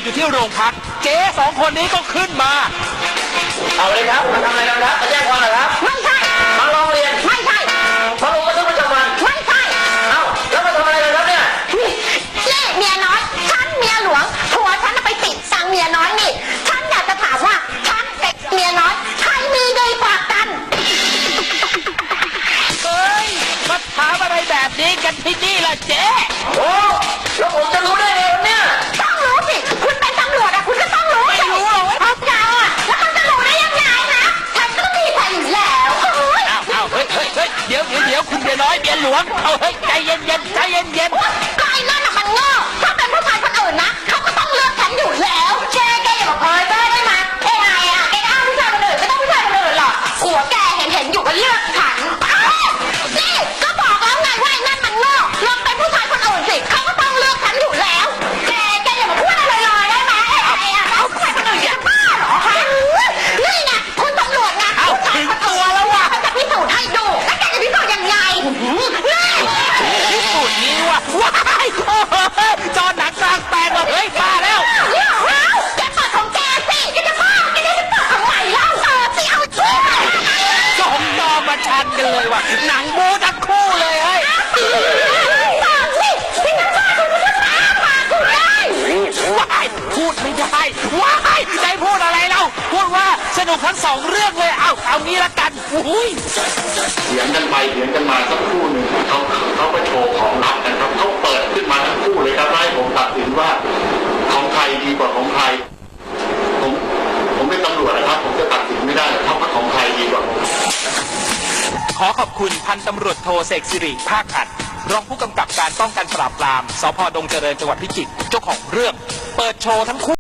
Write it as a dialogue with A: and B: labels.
A: อยู่ที่โรงพักเจ๊สองคนนี้ก็ขึ้นมา
B: เอาเลยครับมาทำอะไรกันครับมาแจ้งความเหรอครับ
C: ไม่ใช่
B: มาร้องเรียน
C: ไม่ใช่
B: มาลงบันทึกประจำวัน
C: ไม่ใช่
B: เอ้าแล้วมาทำอะไรกันครับเนี่ย
C: นี่เมียน้อยฉันเมียหลวงผัวฉันไปติดตังเมียน้อยนี่ฉันอยากจะถามว่าฉันกับเมียน้อยใครมีดีกว่ากัน
A: เฮ้ยมาถามอะไรแบบนี้กันที่นี่ล่ะเจ๊
B: โอ้แล้วผมจะรู้ได้ไงเนี่ย
C: ต้องรู้สิคุณเป็นตำรวจอะคุณก็ต้องรู้
A: ไม่รู้หรอก
C: เขาเจ้าอะแล้วเขาจะรู้ได้ยังไงนะฉันก็มีใครอยู่แล้ว
A: อ้าวเฮ้ยเดี๋ยวคุณเมียน้อยเมียหลวงเอาเฮ้ยใจเย็นใจเย็น
C: ก็ไอ้นั่นน่ะมันโง่ถ้าเป็นผู้ชายคนอื่นนะเขาก็ต้องเลือกฉันอยู่แล้วแกอย่ามาเพ้อเจ้อได้ไหมไอ้ไงอะแกก็เอาผู้ชายคนอื่นก็ต้องผู้ชายคนอื่นหรอกหัวแกเห็นอยู่ก็เลือกฉันนี่ก็บอกแล้วไงว่าไอ้นั่นมันโง่ลองเป็นผู้ชายคนอื่นสิเขาก็ต้องเลือกฉันอยู่แล้วแกอย่ามาพูดอะไรลอยๆได้ไหมไอ้ไงอะเอาผู้ชายคนอื่นจะบ้าเหรอฮะนี่ไงคุณตำรวจไงผู้ชายคนอื่นแล้วว่ะจะพิสูจน์ให้ดูแล้วแกจะพิสูจน์ยังไง
A: พิสูจน์นี้ว่ะว้ายจอหนังกลางแปลงเฮ้ยมาแล้ว
C: แกเปิดของแกสิแกจะบ้าแกจะเปิดของใหม่แล้วสิเอาช่วย
A: สองจอมาชันกันเลยว่ะหนังบูทั้งคู่เลยเฮ้ย
C: ปากสิที่นั่นปากคุณจะตาปากคุณได้
A: ว้ายพูดไม่ได้ว้ายได้พูดอะไรเราพูดว่าสนุกทั้งสองเรื่องเลยเอางี้ละกันอุ้ย
B: เถียงกันไปเถียงกันมาสักครู่หนึ่งเขาไปโชว์ของลับกันครับเขาเปิดขึ้นมาทั้งคู่เลยครับให้ผมตัดสินว่าของใครดีกว่าของใครผมเป็นตำรวจนะครับผมจะตัดสินไม่ได้ครับว่าของใครดีกว่า
A: ขอขอบคุณพันตำรวจโทเสกสิริภาคอัดรองผู้กำกับการป้องกันปราบปรามสภ.ดงเจริญจังหวัดพิจิตรเจ้าของเรื่องเปิดโชว์ทั้งคู่